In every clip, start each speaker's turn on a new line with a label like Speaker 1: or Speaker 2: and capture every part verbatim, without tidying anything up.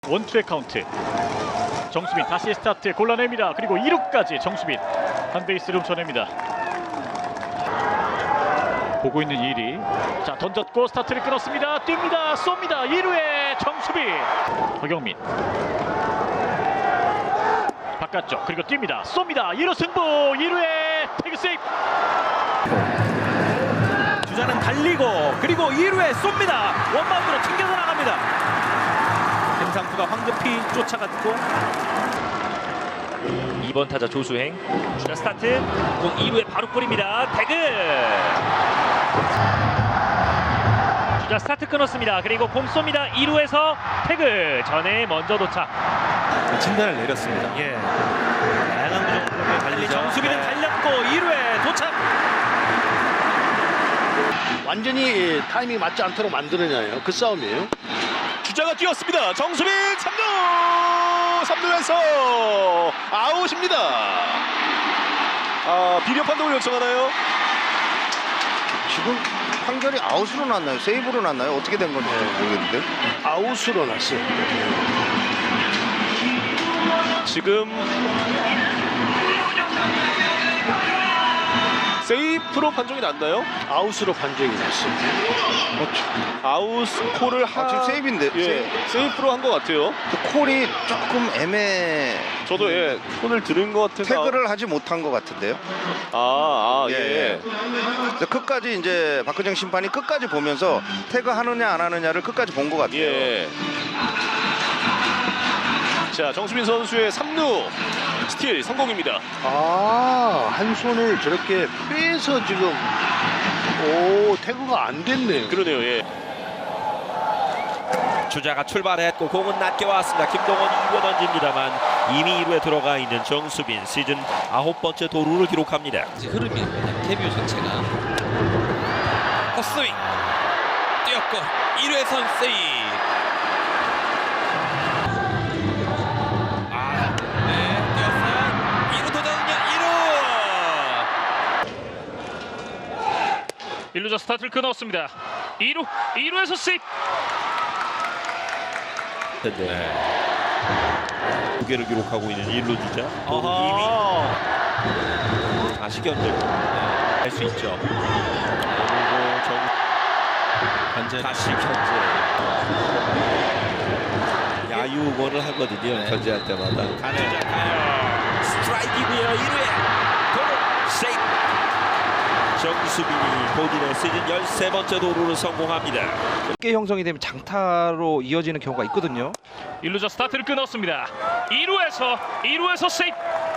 Speaker 1: 원투의 카운트. 정수빈 다시 스타트 골라냅니다. 그리고 이 루까지 정수빈 한 베이스를 훔쳐냅니다. 보고 있는 이 리. 자, 던졌고 스타트를 끊었습니다. 뜁니다. 쏩니다. 이 루에 정수빈. 허경민 바깥쪽 그리고 뜁니다. 쏩니다. 이 루 승부. 이 루에 태그 세이프.
Speaker 2: 주자는 달리고 그리고 이 루에 쏩니다. 원바운드로 튕겨서 나갑니다. 김상수가 황급히 쫓아갔고
Speaker 3: 이 번 타자 조수행 주자 스타트 공 이 루에 바로 뿌립니다. 태그 주자 스타트 끊었습니다. 그리고 공 쏩니다. 이 루에서 태그 전에 먼저 도착.
Speaker 2: 진단을 내렸습니다. 예. 다양한 구종으로 달리죠. 정수빈은
Speaker 3: 네.
Speaker 2: 달렸고 이 루에 도착.
Speaker 4: 완전히 타이밍이 맞지 않도록 만들어내요. 그 싸움이에요.
Speaker 5: 주자가 뛰었습니다. 정수빈 삼 루 삼 루에서 아웃입니다. 아, 비디오 판독을 요청하나요?
Speaker 6: 지금 판결이 아웃으로 났나요? 세이브로 났나요? 어떻게 된 건지 모르겠는데.
Speaker 4: 아웃으로 났어요.
Speaker 5: 지금 세이프로 판정이 났나요?
Speaker 4: 아웃으로 판정이 났어요.
Speaker 5: 아웃 콜을 하...
Speaker 6: 아, 지금 세이브인데.
Speaker 5: 예, 세이프로 한 것 같아요.
Speaker 6: 그 콜이 조금 애매.
Speaker 5: 저도 예, 콜을 들은 것 같아서
Speaker 6: 태그를 하지 못한 것 같은데요.
Speaker 5: 아, 아 예.
Speaker 6: 예. 그래서 끝까지 이제 박근정 심판이 끝까지 보면서 태그 하느냐 안 하느냐를 끝까지 본 것 같아요.
Speaker 5: 예. 자, 정수빈 선수의 삼 루 스틸 성공입니다.
Speaker 4: 아, 한 손을 저렇게 빼서 지금 오, 태그가 안 됐네요.
Speaker 5: 그러네요. 예.
Speaker 2: 주자가 출발했고 공은 낮게 왔습니다. 김동원 이 루 던집니다만 이미 이 루에 들어가 있는 정수빈 시즌 아홉 번째 도루를 기록합니다.
Speaker 7: 흐름이었거든요. 데뷔 자체가 헛스윙 뛰었고 일 루에선 세이브. 아, 네, 뛰었어요. 이 루 도전은요. 이 루.
Speaker 1: 일 루자 스타트를 끊었습니다. 이 루 이 루에서 세이프.
Speaker 2: 네. 두 개를 기록하고 있는 일 루 주자.
Speaker 5: 아하.
Speaker 2: 이미 다시 견제 할 수 있죠. 그리고 정 견제 다시 견제. 야유원을 하거든요. 견제할 때마다.
Speaker 7: 가네요. 가요. 스트라이크이고요. 일 루에 도루 세이브.
Speaker 2: 정수빈이 본인의 시즌 열세 번째 도루를 성공합니다.
Speaker 8: 쉽게 형성이 되면 장타로 이어지는 경우가 있거든요.
Speaker 1: 일 루자 스타트를 끊었습니다. 이 루에서 이 루에서 세이프.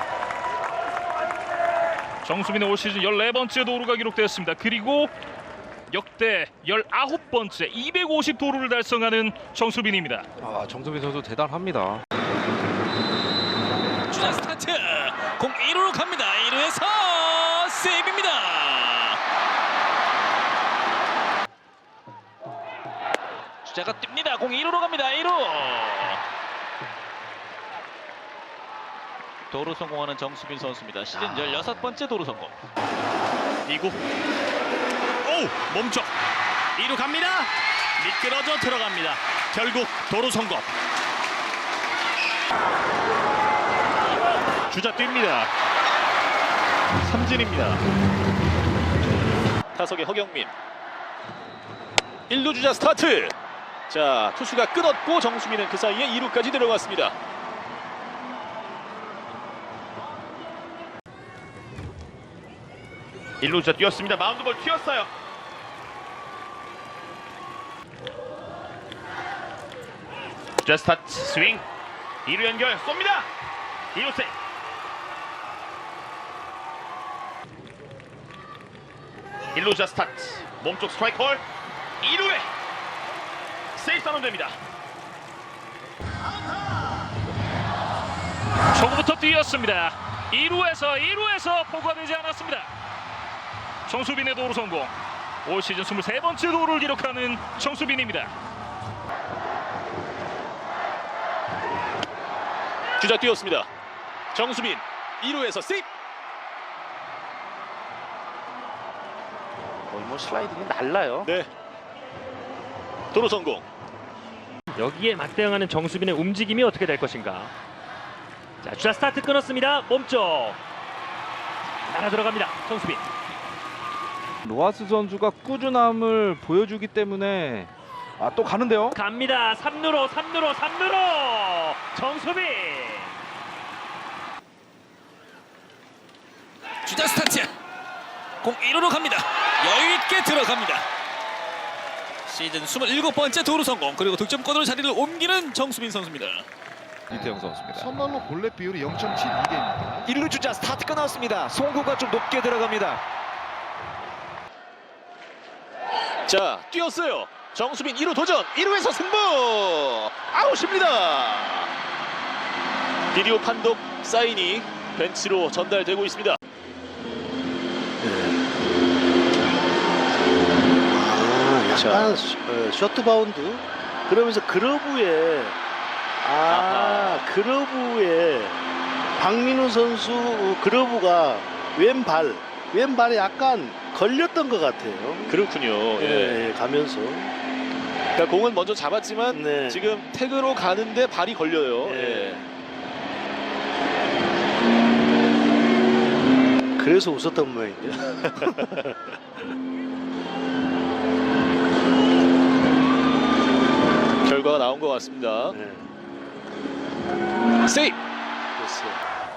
Speaker 1: 정수빈의 올 시즌 열네 번째 도루가 기록되었습니다. 그리고 역대 열아홉 번째 이백오십 도루를 달성하는 정수빈입니다.
Speaker 8: 아, 정수빈 선수 대단합니다.
Speaker 7: 주자 스타트 공 일 루로 갑니다. 일 루에서 세이브입니다. 주자가 뜁니다. 공 일 루로 갑니다. 일 루. 도루 성공하는 정수빈 선수입니다. 시즌 열여섯 번째 도루 성공.
Speaker 5: 이 구. 오, 멈춰. 이 루 갑니다. 미끄러져 들어갑니다. 결국 도루 성공.
Speaker 1: 주자 뜁니다. 삼진입니다.
Speaker 5: 타석의 허경민. 일 루 주자 스타트. 자, 투수가 끊었고 정수빈은 그 사이에 이 루까지 들어갔습니다.
Speaker 1: 일 루자 뛰었습니다. 마운드볼 튀었어요. 주자 스타트 스윙. 이 루 연결 쏩니다. 이 루 세이프. 일 루자 스타트 몸쪽 스트라이크 홀. 이 루에 세이프 선언됩니다. 초구부터 뛰었습니다. 이 루에서 이 루에서 포구가 되지 않았습니다. 정수빈의 도루 성공. 올 시즌 이십삼 번째 도루를 기록하는 정수빈입니다.
Speaker 5: 주자 뛰었습니다. 정수빈 이 루에서 세이프.
Speaker 2: 거의 뭐 슬라이딩이 날라요.
Speaker 5: 네. 도루 성공.
Speaker 3: 여기에 맞대응하는 정수빈의 움직임이 어떻게 될 것인가. 자, 주자 스타트 끊었습니다. 몸쪽 날아 들어갑니다. 정수빈.
Speaker 8: 로하스 선수가 꾸준함을 보여주기 때문에 아, 또 가는데요.
Speaker 3: 갑니다. 삼 루로 삼 루로 삼 루로 정수빈.
Speaker 7: 주자 스타트. 공 일 루로 갑니다. 여유 있게 들어갑니다. 시즌 이십칠 번째 도루 성공. 그리고 득점권으로 자리를 옮기는 정수빈 선수입니다.
Speaker 8: 이태영 선수입니다.
Speaker 9: 선발로 볼넷 비율이 영 점 칠이 개입니다.
Speaker 10: 일 루 주자 스타트 끊었습니다. 송구가 좀 높게 들어갑니다.
Speaker 5: 자, 뛰었어요. 정수빈 일 루 도전. 일 루에서 승부. 아웃입니다. 비디오 판독 사인이 벤치로 전달되고 있습니다.
Speaker 4: 약간 셔- 어, 쇼트 바운드 그러면서 그러브에 아 그러브에 박민우 선수 그러브가 왼발 왼발에 약간 걸렸던 것 같아요.
Speaker 5: 그렇군요. 예.
Speaker 4: 예, 가면서
Speaker 5: 그러니까 공은 먼저 잡았지만
Speaker 4: 네.
Speaker 5: 지금 태그로 가는데 발이 걸려요.
Speaker 4: 예.
Speaker 5: 예.
Speaker 4: 그래서 웃었던 모양인데.
Speaker 5: 결과가 나온 것 같습니다.
Speaker 4: 네.
Speaker 5: 세이브.
Speaker 4: 됐어요.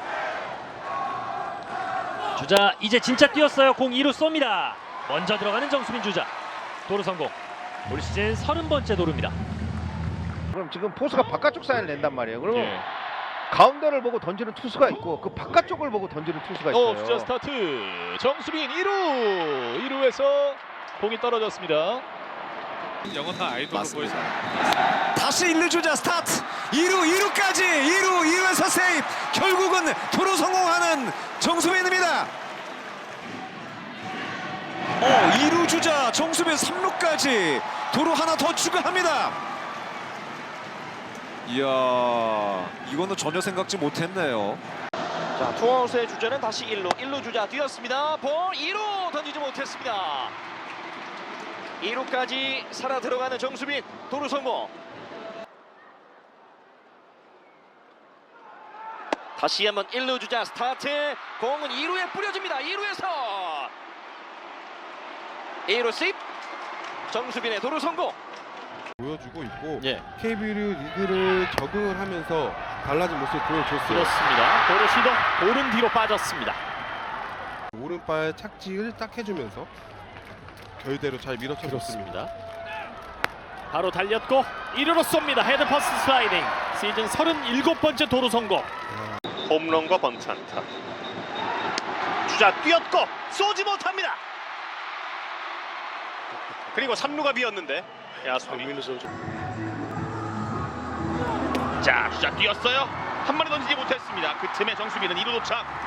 Speaker 3: 주자 이제 진짜 뛰었어요. 공 이 루 쏩니다. 먼저 들어가는 정수빈 주자. 도루 성공. 올 시즌 서른 번째 도루입니다.
Speaker 9: 그럼 지금 포수가 바깥쪽 사인을 낸단 말이에요. 그러면
Speaker 3: 예.
Speaker 9: 가운데를 보고 던지는 투수가 있고 그 바깥쪽을 보고 던지는 투수가 있어요.
Speaker 5: 어, 주자 스타트. 정수빈 일 루. 일 루에서 공이 떨어졌습니다.
Speaker 7: 영어 다 아이돌로 보여서.
Speaker 10: 다시 일 루 주자 스타트. 이 루 이 루까지 이 루 이 루에서 세이브. 결국은 도루 성공하는 정수빈입니다. 어, 이 루 주자 정수빈 삼 루까지 도루 하나 더 추가합니다. 이야, 이거는 전혀 생각지 못했네요. 자, 투아웃의 주자는 다시 일 루. 일 루 주자 뛰었습니다. 볼 이 루 던지지 못했습니다. 이 루까지 살아 들어가는 정수빈. 도루 성공. 다시 한번 일 루 주자 스타트. 공은 이 루에 뿌려집니다. 이 루에서 이 루 세이브. 정수빈의 도루 성공.
Speaker 9: 보여주고 있고
Speaker 5: 예.
Speaker 9: 케이비오 리그를 적응을 하면서 달라진 모습을 보여줬어요.
Speaker 5: 그렇습니다. 도루 시도. 볼은 뒤로 빠졌습니다.
Speaker 9: 오른발 착지를 딱 해주면서 결대로 잘 밀어쳐줬습니다.
Speaker 1: 바로 달렸고 일 루로 쏩니다. 헤드 퍼스 슬라이딩. 시즌 서른일곱 번째 도루 성공.
Speaker 5: 홈런과 번트 안타. 주자 뛰었고 쏘지 못합니다. 그리고 삼 루가 비었는데 야수
Speaker 4: 박민우 선수.
Speaker 5: 자, 주자 뛰었어요. 한 마리 던지지 못했습니다. 그 틈에 정수빈은 이 루 도착.